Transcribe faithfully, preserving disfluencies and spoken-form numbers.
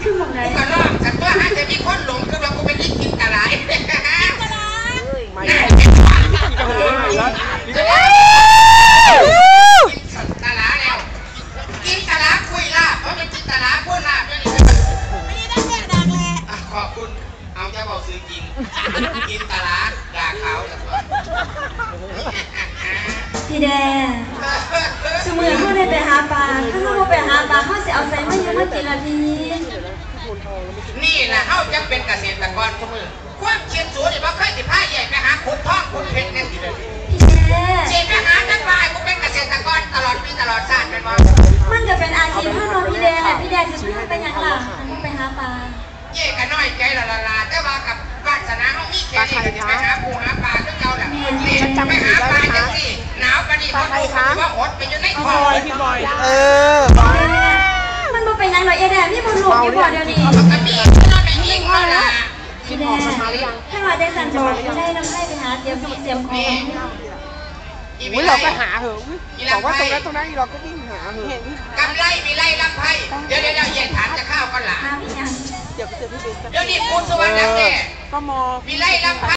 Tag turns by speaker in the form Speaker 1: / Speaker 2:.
Speaker 1: คือหมองไหน
Speaker 2: ก็ลองสัตว์ตัวอาจจะมีคนหลงคือว่ากูเป็นลิงกินตะไลกินตะไลไม่กินตะไลแล้วกินตะไลคุยลาบเพราะมันกินตะไลพูดลาบด้วยนี่ไม่ได้แค่ดังแหละขอบคุณเอาจะบอกซื้อกินกินตะไลด่าเขาแต่ว่า
Speaker 1: พี่แดงสมือเขาได้ไปหาปลาถ้าเขาไปหาปลาเขาจะเอาใส่มาเยอะมากินละพี่
Speaker 2: นี่นะเขาจะเป็นเกษตรกรสมือความเชียนสูงนี่ว่าเคยสิพาใหญ่ไปหาขุดทองขุดเพชรเนี่ยสิเลยเชียนไปหาจังไรกูเป็นเกษตรกรตลอดปีตลอดชาติเป็นว่า
Speaker 1: มันจะเป็นอาชีพถ้านอนพี่แดงแหละพี่แดงจะพาไปยังล่ะไปหาปลา
Speaker 2: เย่กันน้อยใจละละละแต่ว่ากับวาสนาเขามีแค่นี้ไปหาปูหาปลาด้วยเก่าแหละไปหาปลาจังสิหนาวปานนี้เขาดูว่าอดไปอยู่ในคอพี่บอย
Speaker 3: เออ
Speaker 1: มันมาเป็นยังไงเอแดงพี่บอลลูกพี่บอลเดี๋ยวนี้
Speaker 2: ก็มีนอนในยิงก็ละ
Speaker 1: พี่แดงถ้ามาได้สั่งจะบอกได้น้ำให้ไปหาเตรียมเตรียมของ
Speaker 3: อุ้ยเราก็หาเหอะบอกว่าตรงนั้นตรงนั้นเราก็วิ่งหาเหอะ
Speaker 2: กำไรมีไรลำไพ่เดี๋ยวเดี๋ยวเย็นถามจะข้าวกันหล่ะ
Speaker 1: พี่ยัง
Speaker 3: เดี๋ยวไปเจอพี่เบน
Speaker 2: เดี๋ยวนี้คุณสวรรค์แน่
Speaker 3: ก็มอ
Speaker 2: มีไรลำไพ่